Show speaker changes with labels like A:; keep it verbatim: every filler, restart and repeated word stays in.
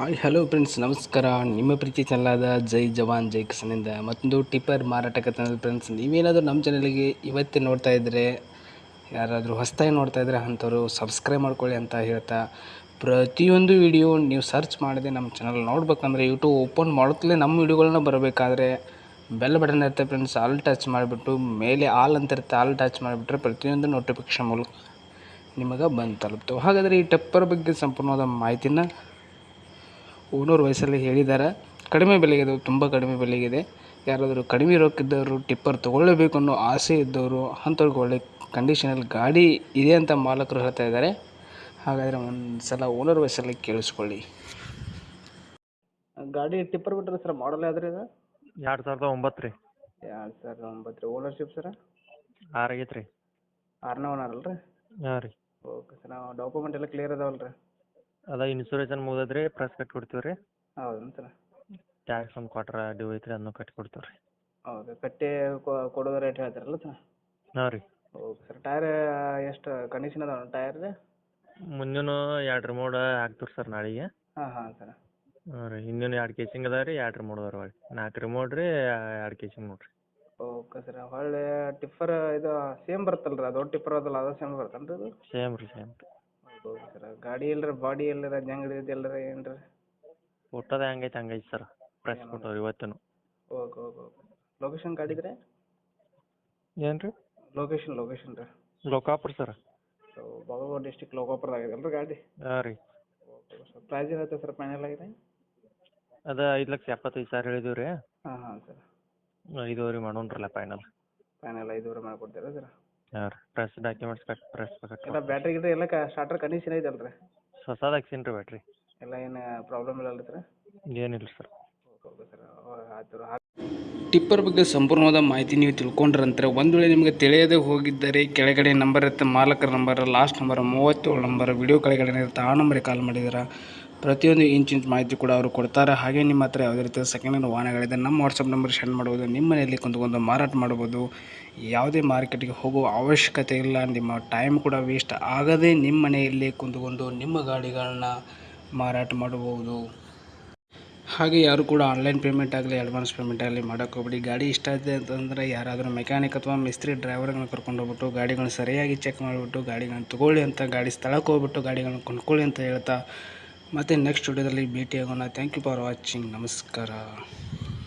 A: Hi hello friends, ನಮಸ್ಕಾರ. ನಿಮ್ಮ ಪ್ರೀತಿ ಚಾನಲಾದ ಜೈ ಜವಾನ್ ಜೈ ಕಿಸನಿಂದ ಮತ್ತೊಂದು ಟಿಪ್ಪರ್ ಮಾರಾಟಕ್ಕೆ ತಂದ ಫ್ರೆಂಡ್ಸ್. ನೀವೇನಾದರೂ ನಮ್ಮ ಚಾನಲಿಗೆ ಇವತ್ತೇ ನೋಡ್ತಾ ಇದ್ದರೆ, ಯಾರಾದರೂ ಹೊಸದಾಗಿ ನೋಡ್ತಾ ಇದ್ದರೆ ಅಂಥವ್ರು ಸಬ್ಸ್ಕ್ರೈಬ್ ಮಾಡ್ಕೊಳ್ಳಿ ಅಂತ ಹೇಳ್ತಾ, ಪ್ರತಿಯೊಂದು ವಿಡಿಯೋ ನೀವು ಸರ್ಚ್ ಮಾಡಿದೆ ನಮ್ಮ ಚಾನಲ್ ನೋಡ್ಬೇಕಂದ್ರೆ ಯೂಟ್ಯೂಬ್ ಓಪನ್ ಮಾಡುತ್ತಲೇ ನಮ್ಮ ವಿಡಿಯೋಗಳನ್ನ ಬರಬೇಕಾದ್ರೆ ಬೆಲ್ ಬಟನ್ ಇರುತ್ತೆ ಫ್ರೆಂಡ್ಸ್. ಆಲ್ ಟಚ್ ಮಾಡಿಬಿಟ್ಟು ಮೇಲೆ ಆಲ್ ಅಂತ ಇರುತ್ತೆ, ಆಲ್ ಟಚ್ ಮಾಡಿಬಿಟ್ರೆ ಪ್ರತಿಯೊಂದು ನೋಟಿಫಿಕೇಷನ್ ಮೂಲಕ ನಿಮಗೆ ಬಂದು ತಲುಪ್ತು. ಹಾಗಾದರೆ ಈ ಟಿಪ್ಪರ್ ಬಗ್ಗೆ ಸಂಪೂರ್ಣವಾದ ಮಾಹಿತಿನ ಓನರ್ ವಯಸ್ಸಲ್ಲಿ ಹೇಳಿದ್ದಾರೆ. ಕಡಿಮೆ ಬೆಲೆಗಿದೆ, ತುಂಬ ಕಡಿಮೆ ಬೆಲೆಗಿದೆ. ಯಾರಾದರೂ ಕಡಿಮೆ ರೊಕ್ಕಿದ್ದವರು ಟಿಪ್ಪರ್ ತೊಗೊಳ್ಳೇಬೇಕು ಅನ್ನೋ ಆಸೆ ಇದ್ದವರು ಅಂಥವ್ರಿಗೆ ಒಳ್ಳೆ ಕಂಡೀಷನಲ್ಲಿ ಗಾಡಿ ಇದೆ ಅಂತ ಮಾಲಕರು ಹೇಳ್ತಾ ಇದ್ದಾರೆ. ಹಾಗಾದರೆ ಒಂದು ಸಲ ಓನರ್ ವಯಸ್ಸಲ್ಲಿ ಕೇಳಿಸ್ಕೊಳ್ಳಿ. ಗಾಡಿ ಟಿಪ್ಪರ್ ಬಿಟ್ಟರೆ ಸರ್ ಮಾಡಲ್ ಯಾವ್ದು ರೀ ಇದು?
B: ಎರಡು ಸಾವಿರದ ಒಂಬತ್ತು ರೀ.
A: ಎರಡು ಸಾವಿರದ ಒಂಬತ್ತು ರೀ. ಓನರ್ಶಿಪ್ ಸರ
B: ಆರು ಆಗೈತೆ ರೀ.
A: ಆರನೇ ಓನರ್ ಅಲ್ಲ ರೀ?
B: ಹಾಂ ರೀ.
A: Okay sir. ನಾವು ಡಾಕ್ಯುಮೆಂಟ್ ಎಲ್ಲ ಕ್ಲಿಯರ್ ಅದಾವಲ್ಲ ರೀ?
B: ಅದ ಇನ್ಸೂರೆನ್ಸ್ ಮುಗಿದದ ರೀ, ಪ್ರೆಸ್ ಕಟ್ಟಿ ಕೊಡ್ತೀವಿ ರೀ.
A: ಹೌದು ಸರ್.
B: ಟ್ಯಾಕ್ಸ್ ಒಂದು ಕ್ವಾಟ್ರ ಡ್ಯೂ ಐತೆ ರೀ, ಅದನ್ನು ಕಟ್ಟಿ ಕೊಡ್ತೀವಿ ರೀ.
A: ಹೌದು, ಕಟ್ಟಿ ಕೊಡೋದು ರೇಟ್ ಹೇಳ್ತಾರಲ್ಲ ಸರ್?
B: ಹಾಂ ರೀ.
A: Okay sir. ಟೈರ್ ಎಷ್ಟು ಕಂಡೀಷನ್ ಅದಾವ ಟೈರ್ ರೀ?
B: ಮುಂದಿನ ಎರಡು ರಿಮೋಡ್ ಹಾಕ್ತೀವಿ ಸರ್ ನಾಳೆಗೆ.
A: ಹಾಂ ಹಾಂ ಸರ್.
B: ಹಾಂ ರೀ. ಹಿಂದಿನ ಎರಡು ಕೇಸಿಂಗ್ ಅದ ರೀ, ಎರಡು ರಿಮೋಡ್ ಅದಾವ ರೀ. ನಾಲ್ಕು ರಿಮೋಡ್ ರೀ, ಎರಡು ಕೇಸಿಂಗ್ ನೋಡಿರಿ.
A: Okay sir. ಹೊಳ್ಳಿ ಟಿಪ್ಪರ್ ಇದು ಸೇಮ್ ಬರುತ್ತಲ್ಲ ರೀ, ದೊಡ್ಡ ಟಿಪ್ಪರ್ ಅದಲ್ಲ ಅದು ಸೇಮ್ ಬರುತ್ತಲ್ಲ ರೀ ಅದು?
B: ಸೇಮ್ ರೀ, ಸೇಮ್ ರೀ.
A: ಹೌದು ಸರ್. ಗಾಡಿ ಎಲ್ಲರ ಬಾಡಿ ಎಲ್ಲರ ಜಂಗ್ ಹಿಡಿದು ಎಲ್ಲರ ಏನು ರೀ?
B: ಫೋಟೋದ ಹೆಂಗೈತೆ ಹಂಗೈತೆ ಸರ್, ಪ್ರೆಸ್ ಕೊಟ್ಟವ್ರಿ ಇವತ್ತು.
A: Okay okay okay. ಲೊಕೇಶನ್ ಗಾಡಿದ್ರೆ?
B: ಏನು ರೀ?
A: ಲೊಕೇಶನ್ ಲೊಕೇಶನ್ ರೀ?
B: Lokapura sir.
A: So Bagalkote district ಲೋಕಾಪುರದಾಗಿದೆ ಅಲ್ಲ ರೀ ಗಾಡಿ?
B: ಹಾಂ ರೀ.
A: Okay sir. ಪ್ರೈಸ್ ಏನಾಯ್ತು ಸರ್ ಫೈನಲ್ ಆಗಿದೆ?
B: ಅದು ಐದು ಲಕ್ಷ ಎಪ್ಪತ್ತೈದು ಸಾವಿರ ಹೇಳಿದೀವಿ ರೀ.
A: ಹಾಂ ಹಾಂ ಸರ್.
B: ಐದುವರೆ ಮಾಡೋಣ್ರಲ್ಲ ಫೈನಲ್.
A: ಫೈನಲ್ ಐದುವರೆ ಮಾಡಿಕೊಡ್ತೀರಾ ಸರ್?
B: ಹಾಂ ರೀ. Press documents cut press cut
A: ಎಲ್ಲ ಬ್ಯಾಟ್ರಿ ಗಿಟ್ರಿ ಎಲ್ಲ ಕ ಸ್ಟಾರ್ಟರ್ ಕಂಡೀಷನ್ ಐತಲ್ಲ ರೀ?
B: ಹೊಸದು ಹಾಕ್ಸೀನಿ ರೀ ಬ್ಯಾಟ್ರಿ.
A: ಎಲ್ಲ ಏನು ಪ್ರಾಬ್ಲಮ್ ಇಲ್ಲ ಅಲ್ಲ ಸರ್?
B: ಏನಿಲ್ಲ ಸರ್.
A: Okay sir. ಆಯ್ತು. ಟಿಪ್ಪರ್ ಬಗ್ಗೆ ಸಂಪೂರ್ಣವಾದ ಮಾಹಿತಿ ನೀವು ತಿಳ್ಕೊಂಡ್ರಂತಾರೆ. ಒಂದು ವೇಳೆ ನಿಮಗೆ ತಿಳಿಯದೆ ಹೋಗಿದ್ದರೆ ಕೆಳಗಡೆ ನಂಬರ್ ಇರುತ್ತೆ, ಮಾಲಕರ ನಂಬರ್, ಲಾಸ್ಟ್ ನಂಬರ್ ಮೂವತ್ತೇಳು ನಂಬರ್ ವಿಡಿಯೋ ಕೆಳಗಡೆ ಇರುತ್ತೆ, ಆ ನಂಬರಿಗೆ ಕಾಲ್ ಮಾಡಿದ್ರೆ ಪ್ರತಿಯೊಂದು ಇಂಚ್ ಇಂಚ್ ಮಾಹಿತಿ ಕೂಡ ಅವರು ಕೊಡ್ತಾರೆ. ಹಾಗೆ ನಿಮ್ಮ ಹತ್ರ ಯಾವುದೇ ರೀತಿಯ ಸೆಕೆಂಡ್ ಹ್ಯಾಂಡ್ ವಾಹನಗಳಿದೆ ನಮ್ಮ ವಾಟ್ಸಪ್ ನಂಬರ್ ಸೆಂಡ್ ಮಾಡ್ಬೋದು. ನಿಮ್ಮ ಮನೆಯಲ್ಲಿ ಕುಂತ್ಕೊಂಡು ಮಾರಾಟ ಮಾಡ್ಬೋದು. ಯಾವುದೇ ಮಾರ್ಕೆಟ್ಗೆ ಹೋಗುವ ಅವಶ್ಯಕತೆ ಇಲ್ಲ. ನಿಮ್ಮ ಟೈಮ್ ಕೂಡ ವೇಸ್ಟ್ ಆಗದೆ ನಿಮ್ಮ ಮನೆಯಲ್ಲೇ ಕುಂತ್ಕೊಂಡು ನಿಮ್ಮ ಗಾಡಿಗಳನ್ನ ಮಾರಾಟ ಮಾಡಬಹುದು. ಹಾಗೆ ಯಾರು ಕೂಡ ಆನ್ಲೈನ್ ಪೇಮೆಂಟ್ ಆಗಲಿ ಅಡ್ವಾನ್ಸ್ ಪೇಮೆಂಟ್ ಆಗಲಿ ಮಾಡೋಕ್ಕೆ ಹೋಗ್ಬಿಡಿ. ಗಾಡಿ ಇಷ್ಟ ಆಯಿತು ಅಂತಂದರೆ ಯಾರಾದರೂ ಮೆಕ್ಯಾನಿಕ್ ಅಥವಾ ಮಿಸ್ತ್ರಿ ಡ್ರೈವರ್ಗಳನ್ನ ಕರ್ಕೊಂಡು ಹೋಗ್ಬಿಟ್ಟು ಗಾಡಿಗಳನ್ನ ಸರಿಯಾಗಿ ಚೆಕ್ ಮಾಡಿಬಿಟ್ಟು ಗಾಡಿಗಳನ್ನ ತೊಗೊಳ್ಳಿ ಅಂತ, ಗಾಡಿ ಸ್ಥಳಕ್ಕೆ ಹೋಗ್ಬಿಟ್ಟು ಗಾಡಿಗಳನ್ನ ಕೊಂಡ್ಕೊಳ್ಳಿ ಅಂತ ಹೇಳ್ತಾ ಮತ್ತೆ ನೆಕ್ಸ್ಟ್ ವಿಡಿಯೋದಲ್ಲಿ ಭೇಟಿಯಾಗೋಣ. Thank you for watching. ನಮಸ್ಕಾರ.